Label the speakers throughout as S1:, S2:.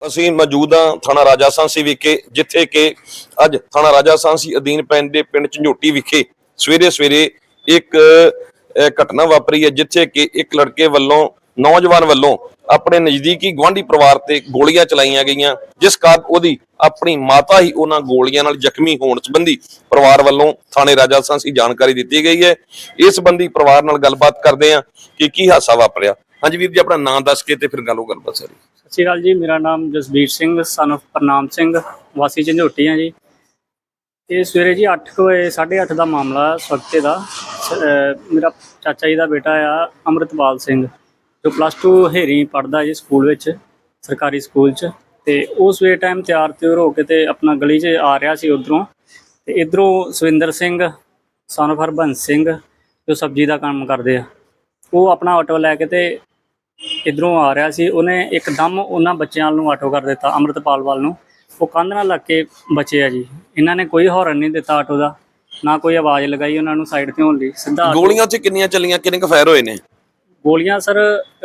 S1: ਅਸੀਂ ਮੌਜੂਦ ਹਾਂ ਥਾਣਾ ਰਾਜਾ ਸਾਂਸੀ ਵਿਖੇ, ਜਿੱਥੇ ਕਿ ਅੱਜ ਥਾਣਾ ਰਾਜਾ ਸਾਂਸੀ ਅਧੀਨ ਪੈਂਦੇ ਪਿੰਡ ਝੰਜੋਟੀ ਵਿਖੇ ਸਵੇਰੇ ਇੱਕ ਘਟਨਾ ਵਾਪਰੀ ਹੈ, ਜਿੱਥੇ ਕਿ ਇੱਕ ਲੜਕੇ ਵੱਲੋਂ ਨੌਜਵਾਨ ਵੱਲੋਂ ਆਪਣੇ ਨਜ਼ਦੀਕੀ ਗੁਆਂਢੀ ਪਰਿਵਾਰ ਤੇ ਗੋਲੀਆਂ ਚਲਾਈਆਂ ਗਈਆਂ, ਜਿਸ ਕਾਰਨ ਉਹਦੀ ਆਪਣੀ ਮਾਤਾ ਹੀ ਉਹਨਾਂ ਗੋਲੀਆਂ ਨਾਲ ਜ਼ਖਮੀ ਹੋਣ ਸੰਬੰਧੀ ਪਰਿਵਾਰ ਵੱਲੋਂ ਥਾਣੇ ਰਾਜਾ ਸਾਂਸੀ ਜਾਣਕਾਰੀ ਦਿੱਤੀ ਗਈ ਹੈ। ਇਸ ਸੰਬੰਧੀ ਪਰਿਵਾਰ ਨਾਲ ਗੱਲਬਾਤ ਕਰਦੇ ਹਾਂ ਕਿ ਕੀ ਹਾਦਸਾ ਵਾਪਰਿਆ। ਹਾਂਜੀ ਵੀਰ ਜੀ, ਆਪਣਾ ਨਾਮ ਦੱਸ ਕੇ ਤੇ ਫਿਰ ਗੱਲਬਾਤ ਸਾਰੀ।
S2: ਸਤਿ ਸ਼੍ਰੀ ਅਕਾਲ ਜੀ, ਮੇਰਾ ਨਾਮ ਜਸਬੀਰ ਸਿੰਘ ਸਨ ਆਫ ਪ੍ਰਨਾਮ ਸਿੰਘ ਵਾਸੀ ਝੰਜੋਟੀ ਆ ਜੀ। ਇਹ ਸਵੇਰੇ ਜੀ 8 ਵਜੇ 8:30 ਦਾ ਮਾਮਲਾ ਸਵਖਤੇ ਦਾ। ਮੇਰਾ ਚਾਚਾ ਜੀ ਦਾ ਬੇਟਾ ਆ ਅੰਮ੍ਰਿਤਪਾਲ ਸਿੰਘ, ਜੋ +2 ਹੇਰੀ ਪੜ੍ਹਦਾ ਜੀ ਸਕੂਲ ਵਿੱਚ, ਸਰਕਾਰੀ ਸਕੂਲ 'ਚ। ਤੇ ਉਹ ਸਵੇਰ ਟਾਈਮ ਤਿਆਰ ਹੋ ਕੇ ਤੇ ਆਪਣਾ ਗਲੀ 'ਚ ਆ ਰਿਹਾ ਸੀ ਉੱਧਰੋਂ, ਤੇ ਇੱਧਰੋਂ ਸਵਿੰਦਰ ਸਿੰਘ ਸਨ ਆਫ ਹਰਬੰਸ ਸਿੰਘ, ਜੋ ਸਬਜ਼ੀ ਦਾ ਕੰਮ ਕਰਦੇ ਆ, ਉਹ ਆਪਣਾ ਆਟੋ ਲੈ ਕੇ ਤੇ ਇੱਧਰੋਂ ਆ ਰਿਹਾ ਸੀ। ਉਹਨੇ ਇੱਕਦਮ ਉਹਨਾਂ ਬੱਚਿਆਂ ਨੂੰ ਆਟੋ ਕਰ ਦਿੱਤਾ, ਅੰਮ੍ਰਿਤਪਾਲ ਵੱਲ ਨੂੰ। ਉਹ ਕੰਧ ਨਾਲ ਲੱਗ ਕੇ ਬਚੇ ਆ ਜੀ। ਇਹਨਾਂ ਨੇ ਕੋਈ ਹੌਰਨ ਨਹੀਂ ਦਿੱਤਾ ਆਟੋ ਦਾ, ਨਾ ਕੋਈ ਆਵਾਜ਼ ਲਗਾਈ ਉਹਨਾਂ ਨੂੰ ਸਾਈਡ ਤੇ ਹੋਣ ਲਈ। ਸਿੱਧਾ
S1: ਗੋਲੀਆਂ 'ਚ ਕਿੰਨੀਆਂ ਚੱਲੀਆਂ, ਕਿੰਨੇ ਕੁ ਫਾਇਰ ਹੋਏ ਨੇ?
S2: ਗੋਲੀਆਂ ਸਰ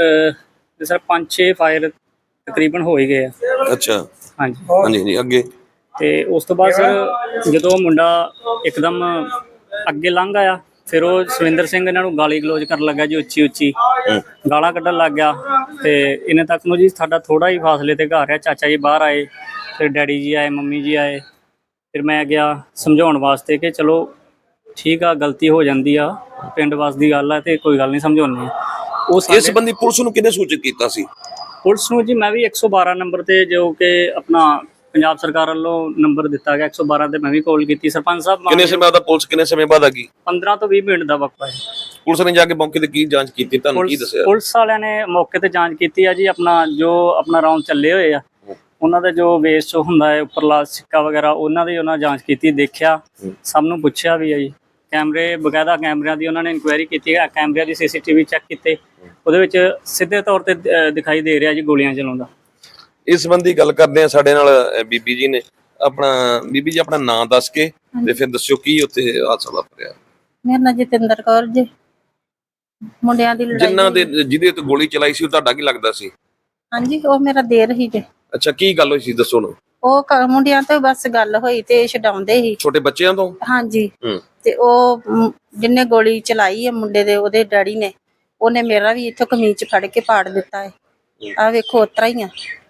S2: 5-6 ਫਾਇਰ ਤਕਰੀਬਨ ਹੋ ਹੀ ਗਏ ਆ।
S1: ਅੱਛਾ,
S2: ਹਾਂਜੀ
S1: ਹਾਂਜੀ ਅੱਗੇ?
S2: ਤੇ ਉਸ ਤੋਂ ਬਾਅਦ ਸਰ ਜਦੋਂ ਮੁੰਡਾ ਇੱਕਦਮ ਅੱਗੇ ਲੰਘ ਆਇਆ, ਫਿਰ ਉਹ ਸਵਿੰਦਰ ਸਿੰਘ ਇਹਨਾਂ ਨੂੰ ਗਾਲੀ ਗਲੋਚ ਕਰਨ ਲੱਗਾ ਜੀ, ਉੱਚੀ ਗਾਲਾਂ ਕੱਢਣ ਲੱਗ ਗਿਆ। ਤੇ ਇਹਨੇ ਤੱਕ ਨੂੰ ਜੀ ਸਾਡਾ ਥੋੜਾ ਹੀ ਫਾਸਲੇ ਤੇ ਘਰ ਆ, ਚਾਚਾ ਜੀ ਬਾਹਰ ਆਏ, ਫਿਰ ਡੈਡੀ ਜੀ ਆਏ, ਮੰਮੀ ਜੀ ਆਏ। ਫਿਰ ਮੈਂ ਗਿਆ ਸਮਝਾਉਣ ਵਾਸਤੇ ਕਿ ਚਲੋ ਠੀਕ ਆ, ਗਲਤੀ ਹੋ ਜਾਂਦੀ ਆ, ਪਿੰਡ ਵਾਸ ਦੀ ਗੱਲ ਆ ਤੇ ਕੋਈ ਗੱਲ ਨਹੀਂ, ਸਮਝਾਉਂਦੇ ਆ।
S1: ਇਸ ਸੰਬੰਧੀ ਪੁਲਿਸ ਨੂੰ ਕਿਹਨੇ ਸੂਚਿਤ ਕੀਤਾ ਸੀ?
S2: ਪੁਲਿਸ ਨੂੰ ਜੀ ਮੈਂ ਵੀ 112 ਨੰਬਰ ਤੇ, ਜੋ ਕਿ ਆਪਣਾ ਪੰਜਾਬ ਸਰਕਾਰ ਵੱਲੋਂ ਨੰਬਰ ਦਿੱਤਾ ਗਿਆ 112 ਤੇ, ਮੈਂ ਵੀ ਕਾਲ ਕੀਤੀ। ਸਰਪੰਚ ਸਾਹਿਬ
S1: ਕਿੰਨੇ ਸਮੇਂ ਬਾਅਦ ਪੁਲਿਸ ਕਿੰਨੇ ਸਮੇਂ ਬਾਅਦ ਆ ਗਈ?
S2: 15 ਤੋਂ 20 ਮਿੰਟ ਦਾ ਵਕਤ ਹੈ।
S1: ਪੁਲਿਸ ਨੇ ਜਾ ਕੇ ਮੌਕੇ ਤੇ ਕੀ ਜਾਂਚ ਕੀਤੀ, ਤੁਹਾਨੂੰ ਕੀ ਦੱਸਿਆ?
S2: ਪੁਲਿਸ ਵਾਲਿਆਂ ਨੇ ਮੌਕੇ ਤੇ ਜਾਂਚ ਕੀਤੀ ਆ ਜੀ। ਆਪਣਾ ਰਾਉਂਡ ਚੱਲੇ ਹੋਏ ਆ, ਉਹਨਾਂ ਦਾ ਜੋ ਵੇਸਟ ਹੁੰਦਾ ਹੈ ਉੱਪਰਲਾ ਸਿੱਕਾ ਵਗੈਰਾ, ਉਹਨਾਂ ਦੀ ਉਹਨਾਂ ਜਾਂਚ ਕੀਤੀ, ਦੇਖਿਆ, ਸਭ ਨੂੰ ਪੁੱਛਿਆ ਵੀ ਆ ਜੀ। ਕੈਮਰੇ ਬਕਾਇਦਾ ਕੈਮਰਿਆਂ ਦੀ ਉਹਨਾਂ ਨੇ ਇਨਕੁਆਇਰੀ ਕੀਤੀ ਹੈ, ਕੈਮਰਿਆਂ ਦੀ CCTV ਚੈੱਕ ਕੀਤੇ, ਉਹਦੇ ਵਿੱਚ ਸਿੱਧੇ ਤੌਰ ਤੇ ਦਿਖਾਈ ਦੇ ਰਿਹਾ ਜੀ ਗੋਲੀਆਂ ਚਲਾਉਂਦਾ।
S1: ਇਸ ਸੰਬੰਧੀ ਗੱਲ ਕਰਦੇ ਆ, ਸਾਡੇ ਨਾਲ ਬੀਬੀ ਜੀ ਨੇ। ਬੀਬੀ ਜੀ ਆਪਣਾ ਨਾਮ ਦੱਸ ਕੇ ਤੇ ਫਿਰ ਦੱਸਿਓ ਕੀ ਉੱਥੇ ਹਾਦਸਾ ਵਾਪਰਿਆ।
S3: ਮੇਰਾ ਨਾਂ ਜਤਿੰਦਰ ਕੌਰ ਜੀ। ਮੁੰਡਿਆਂ ਦੀ ਲੜਾਈ
S1: ਜਿਹਦੇ ਤੇ ਗੋਲੀ ਚਲਾਈ ਸੀ ਉਹ ਤੁਹਾਡਾ ਕੀ ਲੱਗਦਾ ਸੀ?
S3: ਹਾਂਜੀ, ਉਹ ਮੇਰਾ ਦੇਰ ਹੀ ਜੇ।
S1: ਅੱਛਾ, ਕੀ ਗੱਲ ਹੋਈ ਸੀ ਦੱਸੋ ਨਾ।
S3: ਉਹ ਮੁੰਡਿਆਂ ਤੋਂ ਬਸ ਗੱਲ ਹੋਈ ਤੇ ਛਡਾਉਂਦੇ ਸੀ,
S1: ਛੋਟੇ ਬੱਚਿਆਂ ਤੋਂ?
S3: ਹਾਂਜੀ। ਤੇ ਉਹ ਜਿੰਨੇ ਗੋਲੀ ਚਲਾਈ ਹੈ ਮੁੰਡੇ ਦੇ, ਉਹਦੇ ਡੈਡੀ ਨੇ, ਉਹਨੇ ਮੇਰਾ ਵੀ ਇੱਥੋਂ ਕਮੀਜ਼ ਫੜ ਕੇ ਪਾੜ ਦਿੱਤਾ ਹੈ। ਆ ਵੇਖੋ ਉਤਰਾ ਹੀ ਆ।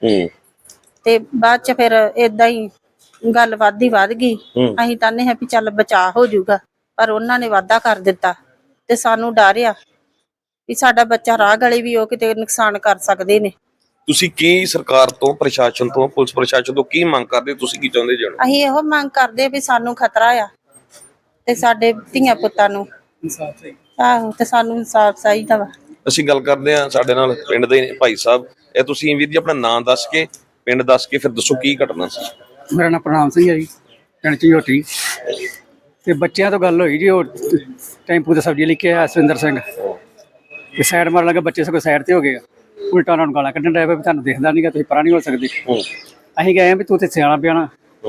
S3: ਤੇ ਬਾਅਦ ਚ ਫਿਰ ਏਦਾਂ ਹੀ ਗੱਲ ਵੱਧ ਗਈ। ਅਸੀਂ ਤਾਨੇ ਹੈ ਵੀ ਚੱਲ ਬਚਾਅ ਹੋ ਜਾਊਗਾ, ਪਰ ਉਹਨਾਂ ਨੇ ਵਾਧਾ ਕਰ ਦਿੱਤਾ ਤੇ ਸਾਨੂੰ ਡਰ ਆ ਵੀ ਸਾਡਾ ਬੱਚਾ ਰਾਹ ਗਲੇ ਵੀ ਉਹ ਕਿਤੇ ਨੁਕਸਾਨ ਕਰ ਸਕਦੇ ਨੇ।
S1: ਤੁਸੀਂ ਕੀ ਸਰਕਾਰ ਤੋਂ, ਪ੍ਰਸ਼ਾਸਨ ਤੋਂ, ਪੁਲਿਸ ਪ੍ਰਸ਼ਾਸਨ ਤੋਂ ਕੀ ਮੰਗ ਕਰਦੇ, ਤੁਸੀਂ ਕੀ ਚਾਹੁੰਦੇ ਜਾਣੋ?
S3: ਅਸੀਂ ਇਹੋ ਮੰਗ ਕਰਦੇ ਵੀ ਸਾਨੂੰ ਖਤਰਾ ਆ ਤੇ ਸਾਡੇ ਧੀਆਂ ਪੁੱਤਾਂ ਨੂੰ ਆਹੋ ਤੇ ਸਾਨੂੰ ਇਨਸਾਫ ਚਾਹੀਦਾ ਵਾ।
S1: ਅਸੀਂ ਗੱਲ ਕਰਦੇ ਹਾਂ, ਸਾਡੇ ਨਾਲ ਪਿੰਡ ਦੇ ਭਾਈ ਸਾਹਿਬ। ਇਹ ਤੁਸੀਂ ਵੀਰ ਜੀ ਆਪਣਾ ਨਾਮ ਦੱਸ ਕੇ, ਪਿੰਡ ਦੱਸ ਕੇ ਫਿਰ ਦੱਸੋ ਕੀ ਘਟਨਾ ਸੀ।
S4: ਮੇਰਾ ਨਾਮ ਪ੍ਰਨਾਮ ਸਿੰਘ ਹੈ ਜੀ, ਪਿੰਡ ਝੰਜੋਟੀ। ਤੇ ਬੱਚਿਆਂ ਤੋਂ ਗੱਲ ਹੋਈ ਜੀ, ਉਹ ਟੈਂਪੂ ਤੇ ਸਬਜ਼ੀ ਲੈ ਕੇ ਆਇਆ ਸਵਿੰਦਰ ਸਿੰਘ, ਤੇ ਸਾਈਡ ਮਾਰਨ ਲੱਗਾ, ਬੱਚੇ ਸਗੋਂ ਸਾਈਡ ਤੇ ਹੋ ਗਏ, ਉਲਟਾ ਉਹਨਾਂ ਨੂੰ ਗਾਲਾਂ ਕੱਢਣ ਡਿਆ ਵੀ ਤੁਹਾਨੂੰ ਦਿਖਦਾ ਨਹੀਂਗਾ, ਤੁਸੀਂ ਪਰਾਂ ਨਹੀਂ ਹੋ ਸਕਦੇ। ਅਸੀਂ ਗਏ ਵੀ ਤੂੰ ਤੇ ਸਿਆਣਾ ਪਿਆਣਾ,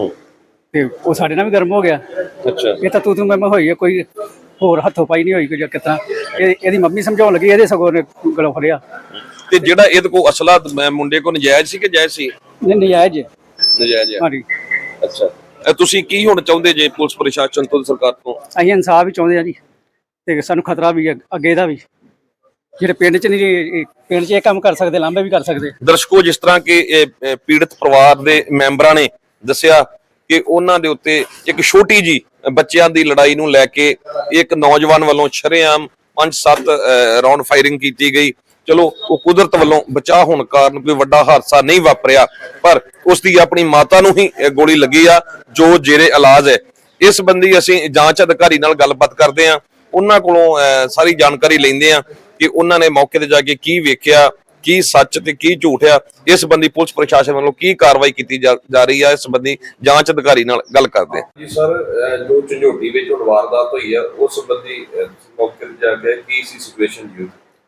S4: ਤੇ ਉਹ ਸਾਡੇ ਨਾਲ ਵੀ ਗਰਮ ਹੋ ਗਿਆ। ਅੱਛਾ, ਇਹ ਤਾਂ ਤੂੰ ਮੈਂ ਹੋਈ ਹੈ, ਕੋਈ ਹੋਰ ਹੱਥੋਂ ਪਾਈ ਨਹੀਂ ਹੋਈ ਕੋਈ ਕਿਤਨਾ। ਇਹਦੀ ਮੰਮੀ ਸਮਝਾਉਣ ਲੱਗੀ, ਇਹਦੇ ਸਗੋਂ ਨੇ ਗਲੋਂ ਫੜਿਆ। ਤੇ
S1: ਜਿਹੜਾ ਇਹਦੇ ਕੋਲ ਅਸਲਾ ਮੁੰਡੇ ਕੋਲ ਨਜਾਇਜ਼ ਸੀ ਕਿ ਜਾਇਜ਼ ਸੀ?
S4: ਨਹੀਂ, ਨਜਾਇਜ਼।
S1: ਨਜਾਇਜ਼?
S4: ਹਾਂਜੀ।
S1: ਅੱਛਾ, ਤੁਸੀਂ ਕੀ ਹੁਣ ਚਾਹੁੰਦੇ ਜੇ ਪੁਲਿਸ ਪ੍ਰਸ਼ਾਸਨ ਤੋਂ, ਸਰਕਾਰ ਤੋਂ?
S4: ਅਸੀਂ ਇਨਸਾਫ ਹੀ ਚਾਹੁੰਦੇ ਆ ਜੀ, ਤੇ ਸਾਨੂੰ ਖਤਰਾ ਵੀ ਹੈ ਅੱਗੇ ਦਾ ਵੀ। ਜਿਹੜੇ ਪਿੰਡ 'ਚ ਨਹੀਂ, ਪਿੰਡ 'ਚ ਇਹ ਕੰਮ ਕਰ ਸਕਦੇ, ਲਾਂਭੇ ਵੀ ਕਰ ਸਕਦੇ।
S1: ਦਰਸ਼ਕੋ, ਜਿਸ ਤਰ੍ਹਾਂ ਕਿ ਪੀੜਤ ਪਰਿਵਾਰ ਦੇ ਮੈਂਬਰਾਂ ਨੇ ਦੱਸਿਆ ਕਿ ਉਹਨਾਂ ਦੇ ਉੱਤੇ ਇੱਕ ਛੋਟੀ ਜੀ ਬੱਚਿਆਂ ਦੀ ਲੜਾਈ ਨੂੰ ਲੈ ਕੇ ਇੱਕ ਨੌਜਵਾਨ ਵੱਲੋਂ ਸ਼ਰੇਆਮ 5-7 ਰਾਉਂਡ ਫਾਇਰਿੰਗ ਕੀਤੀ ਗਈ। ਚਲੋ, ਉਹ ਕੁਦਰਤ ਵੱਲੋਂ ਬਚਾਅ ਹੋਣ ਕਾਰਨ ਕੋਈ ਵੱਡਾ ਹਾਦਸਾ ਨਹੀਂ ਵਾਪਰਿਆ, ਪਰ ਉਸ ਦੀ ਆਪਣੀ ਮਾਤਾ ਨੂੰ ਹੀ ਗੋਲੀ ਲੱਗੀ ਆ, ਜੋ ਜੇਰੇ ਇਲਾਜ ਹੈ। ਇਸ ਸੰਬੰਧੀ ਅਸੀਂ ਜਾਂਚ ਅਧਿਕਾਰੀ ਨਾਲ ਗੱਲਬਾਤ ਕਰਦੇ ਹਾਂ, ਉਹਨਾਂ ਕੋਲੋਂ ਸਾਰੀ ਜਾਣਕਾਰੀ ਲੈਂਦੇ ਹਾਂ ਕਿ ਉਹਨਾਂ ਨੇ ਮੌਕੇ ਤੇ ਜਾ ਕੇ ਕੀ ਵੇਖਿਆ, ਕੀ ਸੱਚ ਤੇ ਕੀ ਝੂਠ ਆ। ਇਸ ਸੰਬੰਧੀ ਪੁਲਿਸ ਪ੍ਰਸ਼ਾਸਨ ਵੱਲੋਂ ਕੀ ਕਾਰਵਾਈ ਕੀਤੀ ਜਾ ਰਹੀ ਹੈ, ਇਸ ਸੰਬੰਧੀ ਜਾਂਚ ਅਧਿਕਾਰੀ ਨਾਲ ਗੱਲ ਕਰਦੇ ਹਾਂ। ਜੀ ਸਰ, ਜੋ ਝੰਜੋਟੀ ਵਿੱਚ ਹੁਣ ਵਾਰਦਾਤ ਹੋਈ ਆ, ਉਸ ਸੰਬੰਧੀ ਮੌਕੇ ਤੇ ਜਾ ਕੇ ਕੀ ਸੀ ਸਿਚੁਏਸ਼ਨ ਜੀ?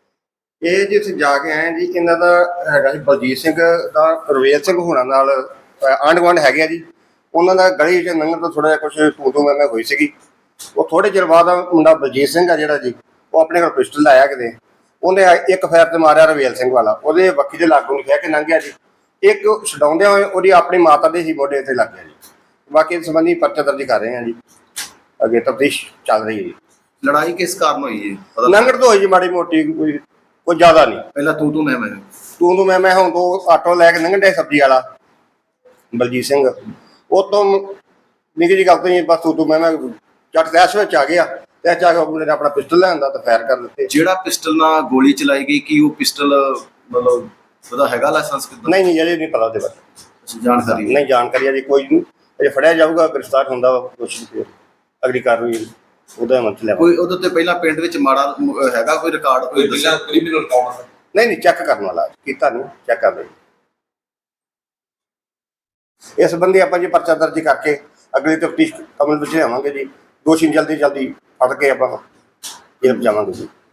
S5: ਇਹ ਜੀ ਅਸੀਂ ਜਾ ਕੇ ਆਏ ਜੀ, ਇਹਨਾਂ ਦਾ ਹੈਗਾ ਸੀ ਬਲਜੀਤ ਸਿੰਘ ਦਾ, ਰਵੇਲ ਸਿੰਘ ਹੋਣਾ ਨਾਲ ਆਂਢ ਗੁਆਂਢ ਹੈਗੇ ਆ ਜੀ। ਉਹਨਾਂ ਦਾ ਗਲੀ 'ਚ ਲੰਘਣ ਤੋਂ ਥੋੜਾ ਜਿਹਾ ਕੁਛ ਤੂੰ ਮੈਂ ਹੋਈ ਸੀਗੀ। ਉਹ ਥੋੜੇ ਚਿਰ ਬਾਅਦ ਮੁੰਡਾ ਬਲਜੀਤ ਸਿੰਘ ਆ ਜਿਹੜਾ ਜੀ, ਉਹ ਆਪਣੇ ਕੋਲ ਪਿਸਟਲ ਆਇਆ ਕਿਤੇ, ਉਹਨੇ ਇੱਕ ਫਾਇਰ ਤੇ ਮਾਰਿਆ ਰਵੇਲ ਸਿੰਘ ਵਾਲਾ, ਉਹਦੇ ਬੱਖੀ ਦੇ ਲਾਗੋਂ ਲਿਖਿਆ ਕਿ ਲੰਘਿਆ ਜੀ। ਇੱਕ ਛਡਾਉਂਦੇ ਹੋਏ ਉਹਦੀ ਆਪਣੀ ਮਾਤਾ ਦੇ ਹੀ ਮੋਢੇ ਤੇ ਲੱਗ ਗਿਆ ਜੀ। ਬਾਕੀ ਇਸ ਸੰਬੰਧੀ ਪਰਚਾ ਦਰਜ ਕਰ ਰਹੇ ਹਾਂ ਜੀ, ਅੱਗੇ ਤਫਤੀਸ਼ ਚੱਲ ਰਹੀ ਹੈ ਜੀ।
S6: ਲੜਾਈ ਕਿਸ ਕਾਰਨ ਹੋਈ ਹੈ ਪਤਾ
S5: ਲੰਗੜ ਤੋਂ ਹੋਈ ਜੀ ਮਾੜੀ ਮੋਟੀ, ਕੋਈ ਜ਼ਿਆਦਾ ਨਹੀਂ।
S6: ਪਹਿਲਾਂ ਤੂੰ ਮੈਂ
S5: ਤੂੰ ਮੈਂ ਹੁਣ ਤੋਂ ਆਟੋ ਲੈ ਕੇ ਲੰਘਣ ਡਿਆ ਸਬਜ਼ੀ ਵਾਲਾ ਬਲਜੀਤ ਸਿੰਘ, ਉਹ ਤੋਂ ਨਿੱਕੀ ਜਿਹੀ ਗੱਲ ਤੋਂ ਹੀ ਬਸ ਤੂੰ ਮੈਂ ਚੱਟ ਤੈਸ਼ ਵਿੱਚ ਆ ਗਿਆ। ਤੈਸ਼ ਆ ਕੇ ਮੁੰਡੇ ਨੇ ਆਪਣਾ ਪਿਸਟਲ ਲਿਆਂਦਾ ਤੇ ਫਾਇਰ ਕਰ ਦਿੱਤੇ।
S6: ਜਿਹੜਾ ਪਿਸਟਲ ਨਾਲ ਗੋਲੀ ਚਲਾਈ ਗਈ ਕੀ ਉਹ ਪਿਸਟਲ ਮਤਲਬ ਉਹਦਾ ਹੈਗਾ ਲਾਇਸੈਂਸ ਕਿਦਾਂ?
S5: ਨਹੀਂ ਅਜੇ ਨਹੀਂ ਪਤਾ ਉਹਦੇ ਬਾਰੇ,
S6: ਜਾਣਕਾਰੀ
S5: ਨਹੀਂ ਜਾਣਕਾਰੀ ਅਜੇ ਕੋਈ ਨਹੀਂ। ਅਜੇ ਫੜਿਆ ਜਾਊਗਾ, ਗ੍ਰਿਫਤਾਰ ਹੁੰਦਾ ਵਾ ਕੁਛ ਫਿਰ ਅਗਲੀ ਕਾਰਵਾਈ ਉਹਦਾ ਮੰਤ ਲਿਆ।
S6: ਕੋਈ ਉਹਦੇ ਉੱਤੇ ਪਹਿਲਾਂ ਪਿੰਡ ਵਿੱਚ ਮਾੜਾ ਹੈਗਾ ਕੋਈ ਰਿਕਾਰਡ ਕੋਈ ਦੱਸਿਆ?
S5: ਨਹੀਂ ਚੈੱਕ ਕਰਨ ਵਾਲਾ ਕੀਤਾ ਨਹੀਂ, ਚੈੱਕ ਕਰ ਲਈ। ਇਸ ਸੰਬੰਧੀ ਆਪਾਂ ਜੀ ਪਰਚਾ ਦਰਜ ਕਰਕੇ ਅਗਲੀ ਤਫਤੀਸ਼ ਅਮਲ ਵਿੱਚ ਲਿਆਵਾਂਗੇ ਜੀ। ਦੋਸ਼ੀ ਜਲਦੀ ਫੜ ਕੇ ਆਪਾਂ ਜੇਲ੍ਹ ਜਾਵਾਂਗੇ ਜੀ।